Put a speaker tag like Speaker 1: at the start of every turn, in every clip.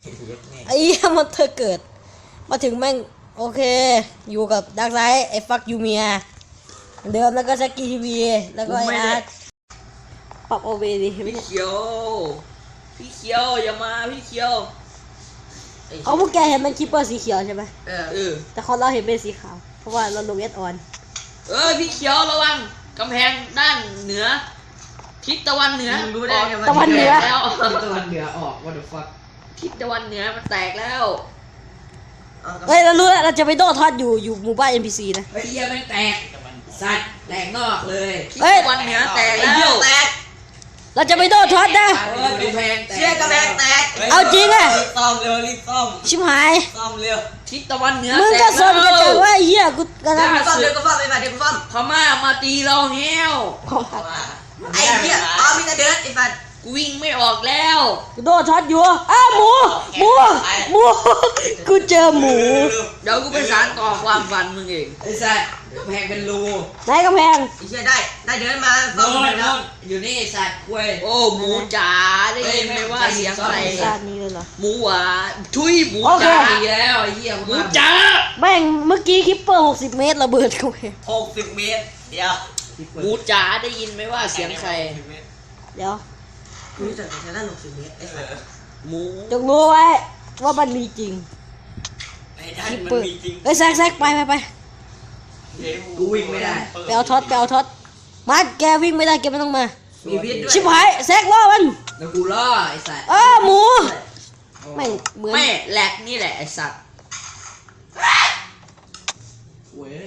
Speaker 1: ไอ้เหี้ยมันเธอเกิดมาถึงแม่งโอเคอยู่กับดักไซด์ไอ้ฟักยูเมียเดิมแล้วก็แซกกี้ทีวีแล้วก็ไอ้อาร์ตปรับโอเวดิ
Speaker 2: พี่เขียวอย่ามาพี่เขียว
Speaker 1: เขาพวกแกเห็นมันคิปเปอร์สีเขียวใช่ไหม แต่เขาเราเห็นเป็นสีขาวเพราะว่าเราลงเอสออน
Speaker 2: พี่เขียวระวังกำแพงด้านเหนือทิศตะวันเหนือ
Speaker 1: ตะวันเหนือ
Speaker 2: แล้ว
Speaker 3: ตะวันเหนือออก what the fuck
Speaker 2: ทิศตะวันเหนือมันแตกแล้ว
Speaker 1: เฮ้ยเรารู้แล้วเราจะไปโดดทอดอยู่หมู่บ้าน NPC นะ
Speaker 3: ไอ้เหี้ยแม่งแตกสัตว์แตกนอกเลย
Speaker 2: ทิศตะวันเหนือแตกแล้ว
Speaker 1: เราจะไปโดดทอดนะ
Speaker 3: กำแพงแตก
Speaker 4: เชี่ยกำแพงแตก
Speaker 1: เอาจริงอะ
Speaker 4: รีบซ่อมเร็วรีบซ่อม
Speaker 1: ชิบหาย
Speaker 4: ซ่อมเร็ว
Speaker 2: ทิศตะวันเหนือ
Speaker 1: มึง
Speaker 2: แต
Speaker 1: ก็
Speaker 2: ก
Speaker 1: สนกันจังว่าไอ้เหี้ยกูกำลัง
Speaker 4: ซ่อมเร็วก็ซ่อมไปมาเดี๋ยวก็ซ่อม
Speaker 2: พม่ามาตีเราแห้ว
Speaker 4: ไอ้เหี้ยมีแต่เดินไอ้ฟัน
Speaker 2: กูวิ่งไม่ออกแล้ว
Speaker 1: กูโดดทอดอยู่อ้าวหมูกูเจอหมู
Speaker 2: เดี๋ยวกูไปสานต่อความฝันมึงเอง
Speaker 3: ไอ้สัตว์กำแพงเป็นรู
Speaker 1: ไหนกำแพง
Speaker 4: ไอ้เชี่ยได้เดินมาซ่อม
Speaker 3: โน่
Speaker 4: ไป
Speaker 3: น
Speaker 4: แล้ว
Speaker 3: อยู่นี่ไอ้สัตว์เว้ย
Speaker 2: โอ้หมูจ๋าได้ยินไหมว่าเสียงอะไร
Speaker 1: ชาตินี้เลยเหรอ
Speaker 2: หมูหวานทุยหมู
Speaker 1: โอเค
Speaker 2: จ๋า
Speaker 3: ดีแล้วไอ้เหี้ย
Speaker 2: หมูจ๋า
Speaker 1: แม่งเมื่อกี้คิปเปอร์60 เมตรระเบิดเข้าไป
Speaker 4: 60 เมตรเดี๋ยว
Speaker 2: หมูจ๋าได้ยินไหมว่าเสียงใคร
Speaker 1: เดี๋ยว
Speaker 4: รู้จักแต่ด้าน60 เมตรไอ้สัส
Speaker 2: หมู
Speaker 1: จงรู้ไว้ว่ามันมีจริง
Speaker 4: ไอ้ด้าน
Speaker 1: คิป
Speaker 4: มัน
Speaker 1: เปอร์
Speaker 4: มีจริง
Speaker 1: เอ้ยแซกไป
Speaker 3: กูวิ่งไม่ได้
Speaker 1: ไปเอาท็อตมาแกวิ่งไม่ได้แกไม่ต้องมา
Speaker 4: มีพิษด้วย
Speaker 1: ชิบหายแซกล่อมัน
Speaker 3: แล้วกูล่อไอ้สัตว์
Speaker 1: หมูไม่งเหมือน
Speaker 2: แม่แหลกนี่แหละไอสัตว์
Speaker 3: เว้ย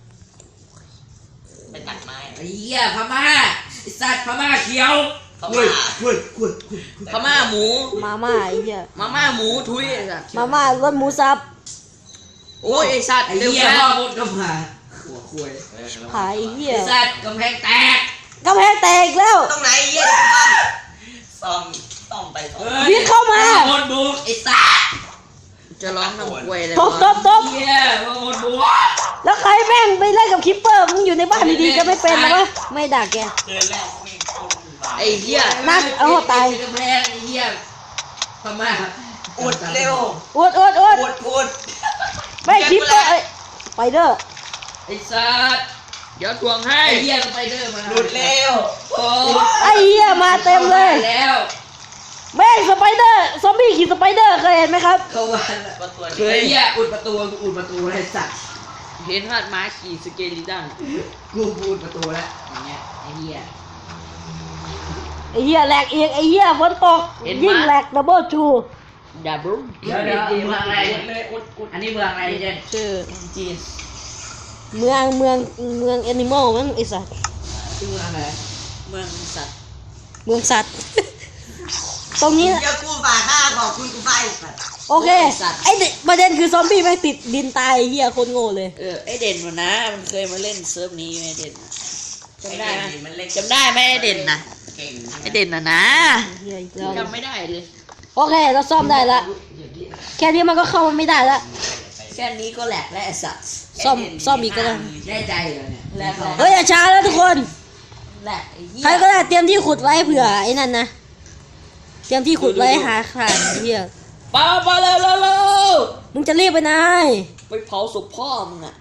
Speaker 4: ไปตัดไม้
Speaker 3: ไอ้เหี้ยพม่าไอ้สัตว์พม่าเขียว
Speaker 4: เข้า
Speaker 3: เว้
Speaker 4: มาย
Speaker 3: เว้ย
Speaker 2: พม่าหมู
Speaker 1: มาม่าไอ้เหี้ย
Speaker 2: มาม่าหมูทุยไอสัตว์
Speaker 1: มาม่ารสหมูสับ
Speaker 2: โอ้ยไอสัตว์
Speaker 3: ไอ้
Speaker 2: เร็ว
Speaker 3: เหี้ย
Speaker 2: แล้
Speaker 3: พ่อ
Speaker 2: ว
Speaker 3: มดก็มาหัวคุย
Speaker 1: หายไอ้เหี้ย
Speaker 3: ไอ้สัตว์กำแพงแตก
Speaker 1: กำแพงแตกอีกแล้ว
Speaker 4: ตรงไหนไอ้เหี้ยซ่อมซ่อมไปซ่อม
Speaker 1: วิ่งเข้ามา
Speaker 3: พ่อมดบุกไอ้สัตว์
Speaker 2: จะร้องทำควยเลย
Speaker 1: ตบ
Speaker 3: เหี้ยพ่อมดบุก
Speaker 1: แล้วใครแม่งไปเล่นกับคิปเปอร์มึงอยู่ในบ้านดีๆจะไม่เป็นหรอวะไม่ด่าแก
Speaker 4: เดินแรกไม่เข้าบ้าน
Speaker 2: ไอเหี้ย
Speaker 1: นักเอาตาย
Speaker 3: กำแพงไอ้เหี้ยพม่า
Speaker 4: อุดเร็ว
Speaker 1: อุด
Speaker 4: อุด
Speaker 1: แม่งคิปเปอร์ไปเด้อ
Speaker 2: ไอสัตว์เดี๋ยวทวงให้
Speaker 3: ไอ้เหี้ยสไปเดอร์มา
Speaker 4: หลุดเร็ว
Speaker 2: โอ้
Speaker 1: ไอ้เหี้ยมาเต็มเลย
Speaker 3: แล้ว
Speaker 1: แม่งสไปเดอร์ซอมบี้ขี่สไปเดอร์เคยเห็นไหมครับ
Speaker 3: เข้ามาแล้ว
Speaker 4: ก็ตัว
Speaker 3: เคยเหี้ยอุดประตูไอ้สัตว์
Speaker 2: เห็นฮาดม้าขี่สเกลิตัน
Speaker 3: กูอุดประตูแล้วอย่างเงี้ยไอ้เหี้ย
Speaker 1: ไอ้เหี้ยแหลกอีกไอ้เหี้ยฝนตกยิ่งแหลกดับเบิลทู
Speaker 2: ดับเบิ้ล
Speaker 3: เดี๋ยวเมืองอะไรอันนี้เมืองอะไรเจน
Speaker 1: ชื่อ
Speaker 3: จีน
Speaker 1: เมืองแอนิมอลมั้งไอ้สัตว์
Speaker 3: ชื่อเมืองอะไร
Speaker 2: เมืองสัตว์
Speaker 1: เมืองสัตว์ ตรงนี้
Speaker 4: เดี๋ยวกูฝากค่าขอบคุณกูไปสัตว์
Speaker 1: โอเคไอ้เด็กประเด็นคือซอมบี้แม่งติดดินตายไอ้เหี้ยโคนโง่เลย
Speaker 2: ไอเด่นมันนะมันเคยมาเล่นเซิร์ฟนี้ไหมเด่นจำได้ไหม
Speaker 4: มันเล็ก
Speaker 2: จำได้ไหมไอเด่นนะ
Speaker 4: เก่ง
Speaker 2: ไอเด่นนะ
Speaker 1: เหี้ยอีกแล้ว
Speaker 2: จำไม่ได้เลย
Speaker 1: โอเคเราซ่อมได้ละแค่นี้มันก็เข้ามาไม่ได้ละ
Speaker 2: แค่นี้ก็แหลกและไอสัตว์
Speaker 1: ซ่อมอีกก็ได้
Speaker 3: แน่ใจเหรอเนี่ย
Speaker 2: แหลก
Speaker 1: เฮ้ยอย่าช้าแล้วทุกคน
Speaker 2: แหลกไอ้เหี้
Speaker 1: ใคร
Speaker 2: ย
Speaker 1: ก็ได้เตรียมที่ขุดไว้เผื่อไอ้นั่นนะเตรียมที่ขุดไว้หาข่านไอ้เหี้ย
Speaker 2: ไปเร็ว
Speaker 1: มึงจะรีบไปไหน
Speaker 2: ไปเผาศพพ่อมึงอะ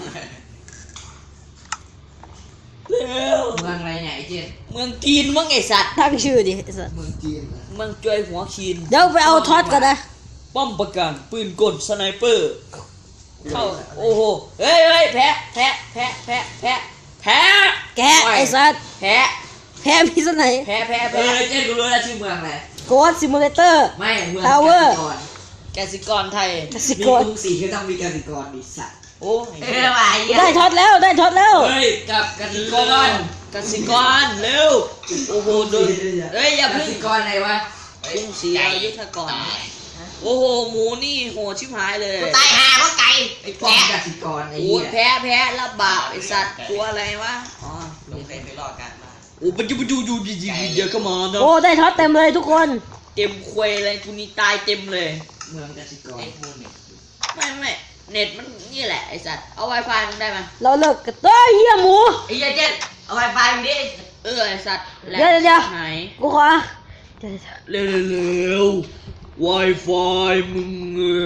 Speaker 2: เร็ว
Speaker 3: เมืองอะไรเนี่ยไอ้เจน
Speaker 2: เมืองจีนมั้งไอสัตว์
Speaker 1: ตั้งชื่อดิไอ้สัส
Speaker 3: เมืองจีนเหรอ
Speaker 2: เมืองจวยหัวคีน
Speaker 1: เดี๋ยวไปเอาท็อตกันนะ
Speaker 2: ป้อมประกันปืนกลสไนเปอร์ เข้าโอ้โหเฮ้ยแพ้
Speaker 1: แกะไอ้สัส
Speaker 2: แพ้
Speaker 1: แพ้มีส่วนไหน
Speaker 2: แพ้
Speaker 3: เจนกูรู้แล้วชื่อเมืองอะไร
Speaker 1: โกดซิมูเลเตอร์
Speaker 3: ไม่เมือง
Speaker 1: Tower
Speaker 2: กสิกรไทย
Speaker 1: กสิ
Speaker 3: มี
Speaker 1: กร
Speaker 3: กรุงศรีก็ต้องมีกสิกรดิสัตว์
Speaker 2: โอ้
Speaker 4: ว่ะไอ้เหี้ย
Speaker 1: ได้ท็อตแล้วได้ท็อตแล้ว
Speaker 3: เฮ้ยกับกสิกร
Speaker 2: กสิกรเร็วโอ้โหโดนเฮ้ยอย่าเพึ่ง
Speaker 3: กสิกรอะไรวะ
Speaker 2: กรุงศรีอยุธกรโอ้โหหมูนี่โหชิบหายเลย
Speaker 4: กูตายหาเพราะไก่
Speaker 3: ไอ้ป้อมกสิกรไอ้
Speaker 2: โอ้
Speaker 3: เหี้ย
Speaker 2: แพ้ระบาดไอสัตว์ตัวอะไรวะอ๋อ
Speaker 4: ลงไปรอกันมา
Speaker 2: โอ้ปัจจุบันอยู่เดี๋ยวก็มาเนาะ
Speaker 1: โอ้ได้ท็อตเต็มเลยทุกคน
Speaker 2: เต็มควยอะไรกูนี่ตายเต็มเลย
Speaker 3: เมืองกสิกร
Speaker 2: ไม่เน็ตมันนี่แหละไอสัตว์เอา Wi-Fi มึงได้ไหม
Speaker 1: เราเลิกกันเฮ้ยเหี้ยหมู
Speaker 4: ไอ้เหี้ยเจ็ดเอาไวไฟมึงดิ
Speaker 2: ไอสัตว์แหลก
Speaker 1: เดี๋ยว
Speaker 2: ไหน
Speaker 1: กูขอ
Speaker 2: เร็ว Wi-Fi มึง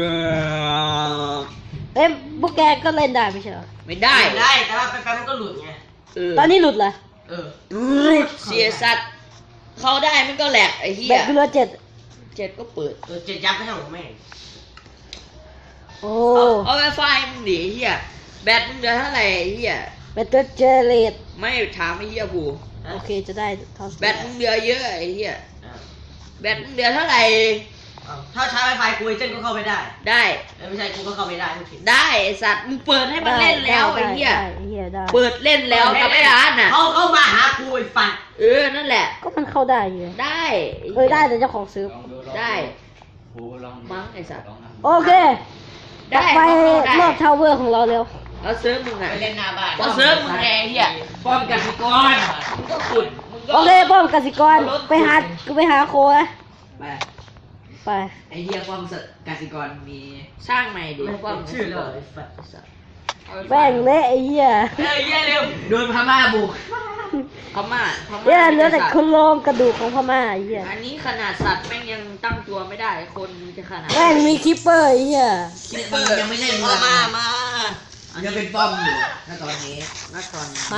Speaker 1: เอ้ยพวกแกก็เล่นได้ไม่ใช่เหรอ
Speaker 2: ไม่ได้
Speaker 4: ได้แต่ว่าแป๊บๆมันก็หลุดไง
Speaker 1: ตอนนี้หลุดเหรอ
Speaker 4: เออ
Speaker 2: รูดเสียสัตว์เข้าได้มันก็แหลกไอ้เหี้
Speaker 1: แบ
Speaker 2: ย
Speaker 1: ตเหลือ7
Speaker 2: เจ็ดก็เปิด
Speaker 4: ตัวเจ็ดยับไม่ใช่ของแม่ง
Speaker 1: โอ้
Speaker 2: เอา Wi-Fi มึงดิไอ้เหี้ยแบตมึงเหลือเท่าไหร่ไอ้เหี้ย
Speaker 1: แบตเจเลต
Speaker 2: ไม่ถามไอ้เหี้ยกู
Speaker 1: โอเคจะได้เท่า
Speaker 2: แบตมึงเหลือเยอะไอ้เหี้ย
Speaker 4: อ่ะ
Speaker 2: แบตมึงเหลือเท่าไหร่
Speaker 4: เอาถ้าใช้ Wi-Fi กูไอ้เจนก็เข้าไปได้
Speaker 2: ได้
Speaker 4: ไม่ใช่กูก็เข้าไปได้ทุกที
Speaker 2: ได้ไอ้สัตว์มึงเปิดให้มันเล่นแล้วไอ้เหี้ย
Speaker 1: ได้ไอ้เหี้ยได้
Speaker 2: เปิดเล่นแล้วกับไอ้ร้านน่ะ
Speaker 4: เขามาหากูไอ้ฟัน
Speaker 2: นั่นแหละ
Speaker 1: ก็มันเข้าได้อยู่
Speaker 2: ได้ไอ้
Speaker 1: เอ้
Speaker 2: หี้
Speaker 1: ยได้แต่เจ้าของซื้อ
Speaker 2: ได้มั้งไอ้สัตว์
Speaker 1: โอเค
Speaker 2: ได้
Speaker 1: ไป
Speaker 2: ได้
Speaker 1: รอบทาวเวอร์ของเราเร็ว
Speaker 2: แล้วเซิร์ฟมึงอ่ะ
Speaker 4: ไปเล่นหน้าบ้าน
Speaker 2: ก็เซิร์ฟมึงไงไอ้เหี้ยป้อมกสิกรมึงก็ขุดมึงก็
Speaker 1: โอเคป้อมกสิกรไปหาโคนะ
Speaker 3: ไป
Speaker 1: ไป
Speaker 3: ไอ้เหี้ยป้อมกสิกรมี
Speaker 2: สร้างใหม่ดิป้อม
Speaker 4: ชื่อเลยไอ้ฟัน
Speaker 1: แป้งเละไอ้เหี้ย
Speaker 4: เฮ้ยเหี้ยเร็ว
Speaker 3: โดนพม่าบุก
Speaker 2: พม่า
Speaker 1: เนี่ยเหลือแต่คนโลงกระดูกของพม่าไอ้เหี้ย
Speaker 2: อันนี้ขนาดสัตว์แม่งยังตั้งตัวไม่ได้คนมันจะขนาด
Speaker 1: แม่งมีคิปเปอร์ไอ้เหี้ย
Speaker 3: คิปเปอร์ยังไม่เล่นเลย
Speaker 4: มา
Speaker 3: ยังเป็นป้อมอยู่ณตอนนี้
Speaker 2: นักตอน
Speaker 1: มา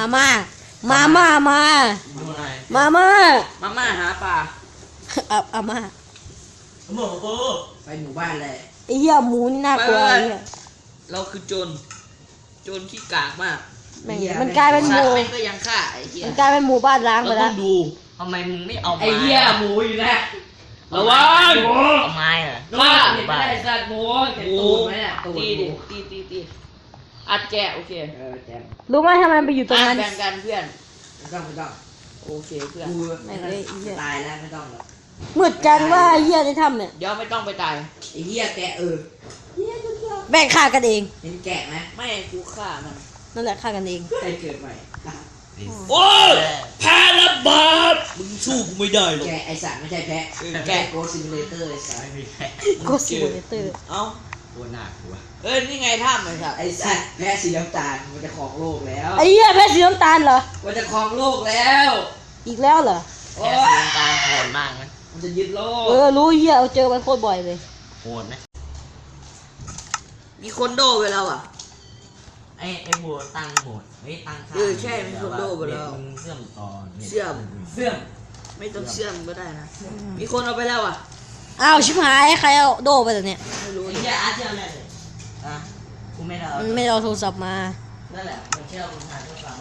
Speaker 2: มาหาปลา
Speaker 1: อาม่า
Speaker 4: หมูกู
Speaker 3: ไปหมู่บ้านเลย
Speaker 1: ไอ้เหี้ยหมูนี่น่ากลัวไอ้เหี้ย
Speaker 2: เราคือโจรที่กากมาก
Speaker 1: แม่งมันกลายเป็นห
Speaker 2: สัต
Speaker 1: มู
Speaker 2: ว์แม่งก็ยังฆ่าไอ้เหี้ย
Speaker 1: มันกลายเป็นหมู่บ้านล้างไป
Speaker 2: เรา
Speaker 1: แล้
Speaker 2: ต้
Speaker 1: ว
Speaker 2: องดู
Speaker 4: ทำไมมึงไม่เอา
Speaker 3: ไอ้เหี้ยหมูอยู่แล้ว
Speaker 2: ระวัง
Speaker 4: เอาไม้เหรอ
Speaker 2: ว่า
Speaker 3: เห็นไหมไอ้สัตว์หมูเห็น
Speaker 2: หมู
Speaker 3: ตูดไหมเนี่ยตูด
Speaker 2: ตี
Speaker 3: ห
Speaker 2: ดิ
Speaker 3: มู
Speaker 2: ตีอัดแกะโอเค
Speaker 3: แจม
Speaker 1: รู้ไหมทำไมไปอยู่ตรงนั้น
Speaker 2: แบ่งกันเพื่อน
Speaker 3: ไม่ต้อง
Speaker 2: โอเคเพื่อน
Speaker 3: กู
Speaker 1: ไม่เลยไอ้เหี้ย
Speaker 3: ตายแล้วไม่ต้องหรอก
Speaker 1: มืดจังว่าไอ้เหี้ยในถ้ำเนี่ย
Speaker 2: เดี๋ยวไม่ต้องไปตาย
Speaker 3: ไอ้เหี้ยแกะ
Speaker 1: แบ่งฆ่ากันเอง
Speaker 3: เห็นแกะไหม
Speaker 2: ไม่กูฆ่ามัน
Speaker 1: นั่นแหละฆ่ากันเอง
Speaker 3: ใครเกิดใหม่
Speaker 2: โอ้ยแพ้ระบาดมึงสู้กูไม่ได้หรอก
Speaker 3: แกะไอสัตว์ไม่ใช่แพะ
Speaker 2: แกะ
Speaker 3: โกซิมูเลเตอร์ไอสัตว์
Speaker 1: โกสิโมเตอร์
Speaker 2: เอ้า
Speaker 4: ตัวหนักตัว
Speaker 2: นี่ไงถ้ำไอ้สัตว์
Speaker 3: ไอสัตว์แพะสีน้ำตาลมันจะครองโลกแล้ว
Speaker 1: ไอ้เหี้ยแพ้สีน้ำตาลเหรอ
Speaker 3: มันจะครองโลกแล้ว
Speaker 1: อีกแล้วเหรอ
Speaker 4: แค่สีน้ำตาลโหดมากนะ
Speaker 3: มันจะยึดโลก
Speaker 1: รู้เหี้ยเอาเจอมันโคตรบ่อยเลย
Speaker 4: โหดนะ
Speaker 2: มีคนโดไปแล้วอ่ะ
Speaker 4: ไอ้โหดตั้งโหดไม่ตั้งค่า
Speaker 2: ใช่มันคนโดไปแล้ว
Speaker 4: มึงเสื่อมต่อ
Speaker 2: เชื่อม
Speaker 3: เสื่อม
Speaker 2: ไม่ต้องเชื่อมก็ได้นะ มีคนเอาไปแล้วอ่ะ
Speaker 1: อ้าวชิบหายใครเอาโดไปแล้วเนี่ย
Speaker 2: ไม่รู้
Speaker 4: ไอ้เหี้ยอาร์ตเชื่อมได้เลยอ่ะกูไม่ได้เอา
Speaker 1: มันไม่ได้เอาโทรศัพท์มา
Speaker 4: นั่นแหละมันเชื่อมึงทางโทรศัพท์ได้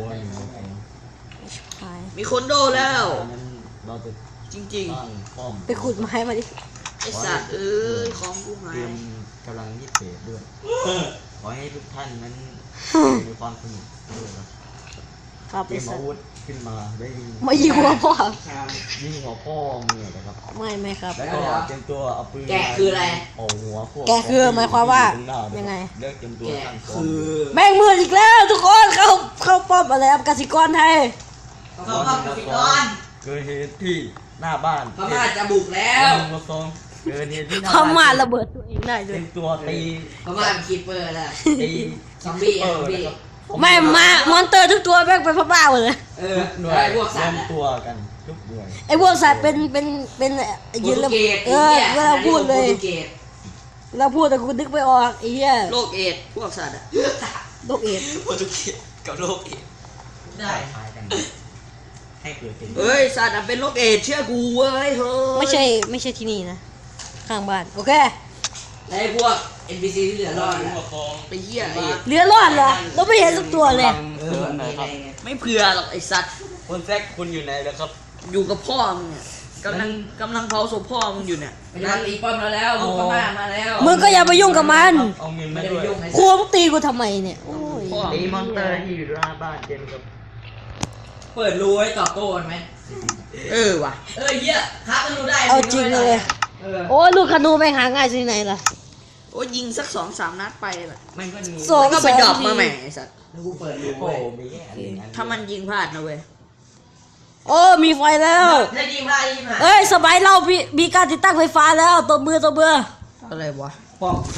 Speaker 1: ชิบหาย
Speaker 2: มีคนโดแล้ว
Speaker 5: เราจะ
Speaker 2: จริง
Speaker 5: ตั้งป้อม
Speaker 1: ไปขุดไม้มาดิ
Speaker 2: ๆ ไอสัตว์ของกูหา
Speaker 5: เตรี
Speaker 2: ย
Speaker 5: ยมกำลังยิดเศษด้วย ขอให้ทุกท่านนั้นมีความสนุกด้วยครับ
Speaker 1: ครับ
Speaker 5: เตรี
Speaker 1: ไอ้
Speaker 5: ยม
Speaker 1: สั
Speaker 5: อา
Speaker 1: ส
Speaker 5: วุธขึ้นมาได้ยิง
Speaker 1: มายิงหัวพ่อ
Speaker 5: ยิงหัวพ่อมึงนะครับ
Speaker 1: ไม่ครับ
Speaker 5: แล้วก็เตรียมตัวเอาปืน
Speaker 3: แกะคืออะไร
Speaker 5: เอาหัวพวก
Speaker 1: แกะคือหมายความว่า
Speaker 5: ข้หน้
Speaker 1: ยังไง
Speaker 5: เลิกเตรียมตัวตั้งป้อม
Speaker 1: แม่งมืดอีกแล้วทุกคนเข้าป้อมอะไรครับกสิกรไทย
Speaker 4: เขาเข้ากสิกร
Speaker 5: เกิดเหตุที่หน้าบ้าน
Speaker 3: พม่าจะบุกแล้ว
Speaker 5: หนึ่งกับสองเกิดเหตุที่หน้า
Speaker 1: พ
Speaker 5: บ้าน
Speaker 1: ม่าระเบิดตัวเองได้ด้ว
Speaker 5: เต
Speaker 1: ย
Speaker 5: รียมตัวตี
Speaker 3: พม่าเป็นคีเปอร์แล้ว
Speaker 5: ตี
Speaker 3: ซอมบี้อะซอมบี้
Speaker 1: ไม่มามอนเตอร์ทุกตัวแม่งเป็นพม่าหมดเลย
Speaker 3: เออ
Speaker 5: หน่วย
Speaker 3: ไอ้พวก
Speaker 5: ร
Speaker 3: สั
Speaker 5: ว
Speaker 3: ต
Speaker 5: ม
Speaker 3: ว์อะ
Speaker 5: ตัวกันทุกหน่วย
Speaker 1: ไอ้พวกสัตว์เป็นยืนแล้วเวลาพูดเลย
Speaker 3: โปรตุเกส
Speaker 1: เวลาพูดแต่คุณนึกไม่ออกไอ้เหี้ย
Speaker 2: โรคเอดส์พวกสัตว์อ่ะ
Speaker 1: โรคเอดส์
Speaker 2: โปรตุเกสกับโรคเอดส์
Speaker 4: ได้
Speaker 5: คล้ายกันให้เกิดเป็น
Speaker 2: เฮ้ยสัตว์อะเป็นโรคเอดส์เชื่อกูเว้ยเฮ้ย
Speaker 1: ไม่ใช่ที่นี่นะข้างบ้านโอเค
Speaker 3: แล้วไอ้พวก NPC ที่เหลือรอดอะ
Speaker 2: ไปเหี้ยเอดส์
Speaker 1: เหลือรอดเหรอเราไม่เห็นสักตัวเลย
Speaker 3: เออมีอะไรไง
Speaker 2: ไม่เผื่อหรอกไอสัตว์
Speaker 5: คุณแซคคุณอยู่ไหนแล้วครับ
Speaker 2: อยู่กับพ่อมึงเนี่ยกำลังเผาศพพ่อมึงอยู่เนี่ย
Speaker 3: มันจะตีป้อมเราแล้วบุกพม่ามาแล้ว
Speaker 1: มึงก็อย่าไปยุ่งกับมัน
Speaker 5: เอาเงิน
Speaker 3: ไม่
Speaker 5: มา
Speaker 3: ได้
Speaker 5: ด้วย
Speaker 3: ยุ่งไอ้
Speaker 1: ครัวมึงตีกูทำไมเนี่ยโอ้ย
Speaker 2: พ่อ
Speaker 5: ตีมอนเตอร์ที่อยู่หน้าบ้านเจนครับ
Speaker 3: เปิดรูไว้ตอบโต้กันไหม
Speaker 2: ว่ะ
Speaker 3: เหี้ยครับมันรู้ได้
Speaker 1: เอาจริงเลย
Speaker 3: เออ
Speaker 1: โอ้ยลูกขนูไปหาง่ายที่ไหนล่ะ
Speaker 2: โอ้ยยิงสัก 2-3 นัดไปแหละ
Speaker 5: มันก็มี
Speaker 1: สอง
Speaker 2: แล้วก็ไปดรอป
Speaker 1: ที
Speaker 2: มาใหม่ไอสัตว์
Speaker 3: แล้วกูเปิดรู
Speaker 5: โอ้
Speaker 3: ไว้
Speaker 5: มีแค่อันหนึ่งอัน
Speaker 2: ถ้ามันยิงพลาดนะเว้ย
Speaker 1: โอ้มีไฟแล้ว
Speaker 4: ถ้ายิงพลาดยิงหาย
Speaker 1: เอ้ยสบายเรามีการติดตั้งไฟฟ้าแล้วตัวมือ
Speaker 2: อะไรวะ
Speaker 3: ป้อม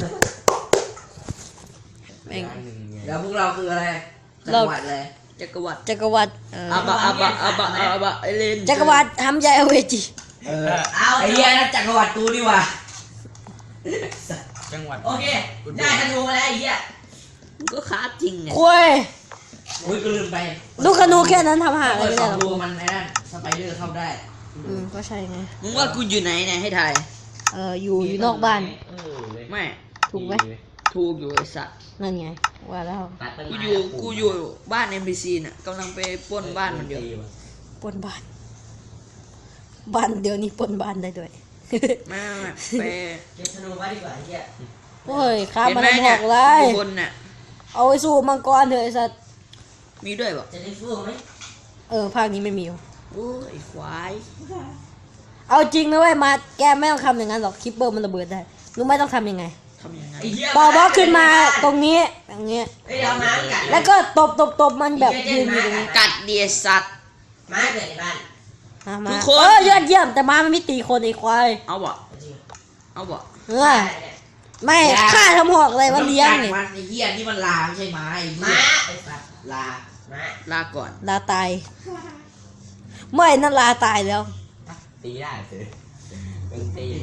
Speaker 2: แม่ง
Speaker 5: อันหนึ่งไง
Speaker 3: แล้วพวกเราคืออะไรจังหวัดอะไร
Speaker 2: จักรวรรดิ
Speaker 1: จักรวรรดิ
Speaker 2: อาบะไอเลน
Speaker 1: จักรวรรดิทำใหญ่เอาเวจี
Speaker 3: เอาไอ้เหี้ยนั่นจักรวรรดิกูดีกว่า
Speaker 5: จังหวัด
Speaker 4: โอเคได้ธนูมาแล้วไอ้เหี้ย
Speaker 3: ก็ค้าจริงไง
Speaker 1: คุย
Speaker 3: โอ้ยก็ลืมไป
Speaker 1: ลูกธนูแค่นั้นทำหาอะไร
Speaker 3: เปิด
Speaker 1: ไม่
Speaker 3: ส
Speaker 1: ได้
Speaker 3: อง
Speaker 1: หรอก
Speaker 3: รูมันไอ้นั่นสไปเดอร์เข้าได้
Speaker 1: ก็ใช่ไง
Speaker 3: มึงว่ากูอยู่ไหนเนี่ยให้ถ่าย
Speaker 1: อยู่นอกบ้าน
Speaker 3: ไม่
Speaker 1: ถูกไหม
Speaker 3: ถูกอยู่ไอ้สัตว์
Speaker 1: นั่นไง ว่าแล้ว
Speaker 5: ตัดต้น
Speaker 3: กู
Speaker 5: ไม้
Speaker 3: อยู่บ้าน NPC น่ะกำลังไปปล้นบ้านมันอยู่
Speaker 1: ปล้นบ้าน บ้านเดี๋ยวนี้ปล้นบ้านได้ด้วย
Speaker 3: ไม่ไป
Speaker 4: เก็บธนูไว้ดีกว่าไอ้เหี้ย
Speaker 1: โอ้ยข้า
Speaker 3: เห็น
Speaker 1: มัน
Speaker 3: ไหม
Speaker 1: บ
Speaker 3: เนี่
Speaker 1: อย กเลย
Speaker 3: อยู่บนน่ะ
Speaker 1: เอาไปสู้มังกรเถอะไอ้สัตว์
Speaker 3: มีด้วยบอก
Speaker 4: จะได้สู้ไหม
Speaker 1: ภาคนี้ไม่มี
Speaker 3: โอ้ยควาย
Speaker 1: เอาจริงนะเว้ยมาแกไม่ต้องทำอย่างนั้นหรอกคิปเปอร์มันระเบิดได้รู้ไหมต้องทำยังไง
Speaker 3: ทำยังไง
Speaker 4: ไอ้เหี้ย
Speaker 1: ปอบล็อกขึ้นมาตรงนี้อย่างเงี้ย
Speaker 4: ไอ้เอาม้ากัด
Speaker 1: แล้วก็ตบมันแบบยืนอยู่ตรงนี้
Speaker 3: กัดเดียสัตว์
Speaker 4: ม้าเกิดในบ้าน
Speaker 1: มา
Speaker 3: ทุกคน
Speaker 1: ยอดเยี่ยมแต่มามันไม่ตีคนไอ้ควาย
Speaker 3: เอาบ่
Speaker 4: จริง
Speaker 3: เอาบ่
Speaker 1: ไม่ฆ่าทำหอกอะไรวะเลี้ยง
Speaker 3: นี่
Speaker 1: นี่
Speaker 3: มันไอ้เหี้ยนี่มันลาไม่ใช่ไม้ไอ้เหี้
Speaker 4: ม้าย ไอ้สัตว์
Speaker 3: ลา
Speaker 4: ม้า
Speaker 3: ลาก่อน
Speaker 1: ลาตายไม่นั่นลาตายแล้ว
Speaker 5: ตีได้เถอะเป็นตีนะ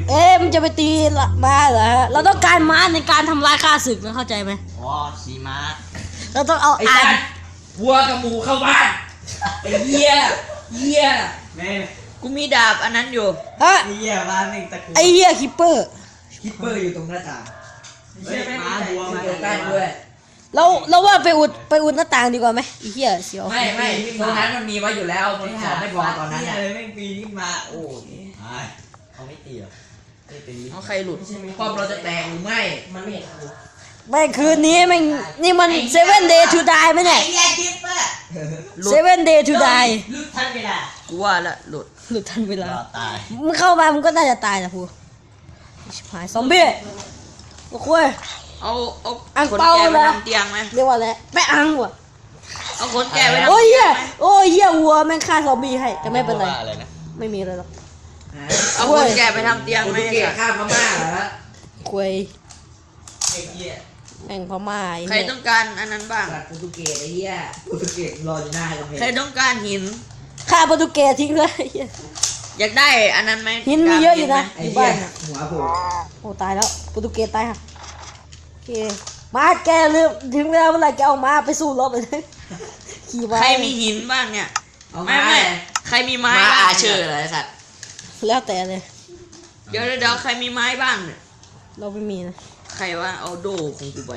Speaker 1: มันจะไปตีม้าเหรอฮะเราต้องการม้าในการทำลายข้าศึกนะเข้าใจไหม
Speaker 5: อ๋อชีม้า
Speaker 1: เราต้องเอา
Speaker 3: ไอ้
Speaker 1: อ่า
Speaker 3: สั
Speaker 1: น
Speaker 3: ตว์วัวกับหมูเข้าบ้านไอ้เหี้ยเหี้ย
Speaker 5: แม่
Speaker 3: กูมีดาบอันนั้นอยู่
Speaker 1: ฮะ
Speaker 5: เหี้ยบ้านแม่งตะกุ
Speaker 1: ไอ้เหี้ยคิปเปอร์
Speaker 3: คิปเปอร์อยู่ตรงหน้าต่าง
Speaker 5: เฮ้ยม้าบัวมา
Speaker 3: อยู่ใกล้ด้วย
Speaker 1: เราว่าไปอุดหน้าต่างดีกว่าไหมไอ้เหี้ยเสียว
Speaker 3: ไม่ตรงนั้นมันมีไว้อยู่แล้วมันของไม่พอตอนนั้น
Speaker 5: เหี้ย
Speaker 3: น่ะ
Speaker 5: เลยแม่งปีนขึ้นมาโอ้ยตายเขาไม่ตีหรอกไม่ตี
Speaker 3: เอาใครหลุดความเราจะแตกหรือไม่
Speaker 4: มันไม่เห็นธนู
Speaker 1: ไม่คืนนี้แม่งนี่มัน7 day to die ไหมเนี่ย
Speaker 4: ไอ้เหี้ยคิปเปอร์
Speaker 3: หลุด
Speaker 1: 7 day to die
Speaker 4: ลุกทันเวลา
Speaker 3: กูว่าละหลุด
Speaker 1: หลุดทันเวลาร
Speaker 5: อตาย
Speaker 1: มึงเข้ามามึงก็น่าจะตายนะพูชิบหายซอมบี้โอ้โหย
Speaker 3: เอา
Speaker 1: อัง
Speaker 3: ขน
Speaker 1: เปา
Speaker 3: แกะไป
Speaker 1: เลย
Speaker 3: ทำเตียงไหม
Speaker 1: เรียกว่าอะไรแม่อังว่ะ
Speaker 3: เอาขนแกะไปทำ
Speaker 1: โอ้ย
Speaker 3: เตี
Speaker 1: เหี้
Speaker 3: ย
Speaker 1: ย
Speaker 3: งไหม
Speaker 1: โอ้ยเหี้ยวัวแม่งฆ่าซอมบี้ให้แต่ไม่เป็นไร
Speaker 5: ว่าอะไรนะ
Speaker 1: ไม่มีอะไรหรอก
Speaker 3: เอาขนแกะไปทำเตียงไหมข้ามพม่าเหรอ
Speaker 1: คุย
Speaker 4: ไอ้เหี้ย
Speaker 1: แม่งพม่าไอ้
Speaker 3: ใคร
Speaker 1: เหี้ย
Speaker 3: ต้องการอันนั้นบ้าง
Speaker 4: โปรตุเกสไอ้เหี้ยโปรตุเกสรออยู่หน้ากำแพง
Speaker 3: ใครต้องการหิน
Speaker 1: ฆ่าโปรตุเกสทิ้งเลยไอ้เหี้ย
Speaker 3: อยากได้อันนั้นไหม
Speaker 1: หินมีเยอะอยู่นะ
Speaker 4: ไอ้
Speaker 1: อยู่
Speaker 4: เหี้
Speaker 1: บ้าย นน่ะ
Speaker 4: หัวโผล่
Speaker 1: โอ้ตายแล้วโปรตุเกสตายค่ะโอเคมาแกลืมถึงเวลาเมื่อไหร่แกเอาม้าไปสู้รบเลยขี่ม้า
Speaker 3: ใครมีหินบ้างเนี่ย
Speaker 4: เอา
Speaker 3: ไม่
Speaker 4: ไม่
Speaker 3: ใครมีไม้
Speaker 4: มา
Speaker 3: บ้าง
Speaker 4: อาเชอร์เหรอไอ้สัตว์
Speaker 1: แล้วแต่เลย
Speaker 3: เดี๋ยวใครมีไม้บ้างเนี่ย
Speaker 1: เราไม่มีนะ
Speaker 3: ใครว่าเอาโดของกูไป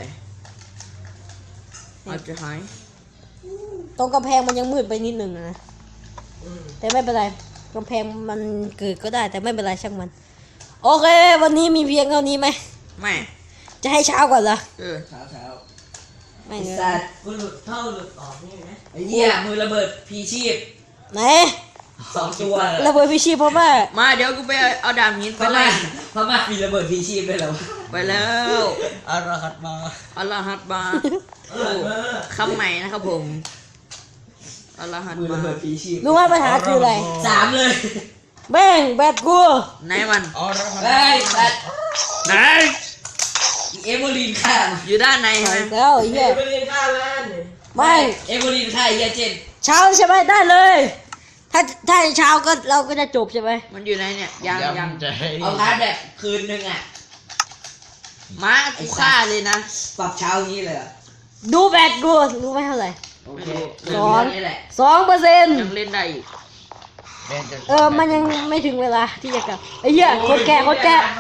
Speaker 3: อาจจะหาย
Speaker 1: ตรงกำแพงมันยังมืดไปนิดนึงนะแต่ไม่เป็นไรกำแพงมันเกิดก็ได้แต่ไม่เป็นไรช่างมัน โอเค วันนี้มีเพียงเท่านี้ไหม
Speaker 3: ไม่
Speaker 1: จะให้เช้าก่อนเหรอ
Speaker 3: เออ
Speaker 4: เช้า
Speaker 1: ไม่
Speaker 4: ไอ้
Speaker 1: เน
Speaker 4: สั
Speaker 1: อะ
Speaker 4: ตว์กูหลุดเข้าหลุดออกนี่นะ
Speaker 3: ไอ้เหี้ยมือระเบิดพีชีพ
Speaker 1: ไหน
Speaker 3: 2 ตัว
Speaker 1: ระเบิดพิชิตเพราะว่า
Speaker 3: มาเดี๋ยวกูไปเอาดาบหินไป
Speaker 4: พ
Speaker 3: ไล่
Speaker 4: ม่ามีระเบิดพีชีพด้วยเหรอ
Speaker 3: ไปแล้ว
Speaker 5: อารหัตมา
Speaker 3: อัลลอฮัดบาโอ้คำใหม่นะครับผมอัลลอฮัด
Speaker 4: มือบ
Speaker 3: า
Speaker 4: ระเบิดพีชีพ
Speaker 1: รู้ว่าปัญหาคืออะไร
Speaker 4: 3เลย
Speaker 1: แม่งแบตกู
Speaker 3: ไหนมัน
Speaker 5: อารหัต
Speaker 4: เฮ้ยสัตว์
Speaker 3: ไหน
Speaker 4: เอเวอร์ลินฆ่ามัน
Speaker 3: อยู่ด้านในใช่ไหม
Speaker 1: แล้วไอ้
Speaker 4: เอ
Speaker 1: เหี้ย
Speaker 4: เวอร์ลินฆ่ามัน
Speaker 1: ไม่
Speaker 4: เอเวอร์ลินฆ่าไอ้เหี้ยเจน
Speaker 1: เช้าใช่ไหมได้เลย ถ้าเช้าก็เราก็จะจบใช่ไหม
Speaker 3: มันอยู่ไหนเนี่ยยัง
Speaker 5: ใจ
Speaker 4: เอาพาร์ทแบบคืนนึงอ่ะ
Speaker 3: ม้ากูฆ่าเลยนะ
Speaker 4: ปรับเช้าอย่างนี้เลยเหรอ
Speaker 1: ดูแบตกูรู้ไหมเท่าไหร่
Speaker 4: โอเค
Speaker 1: สอง
Speaker 4: นี่แหละ
Speaker 1: 2%
Speaker 3: ยังเล่นได้อีก
Speaker 1: มันยังไม่ถึงเวลาที่จะกลับไอ้เหี้ยคนแก่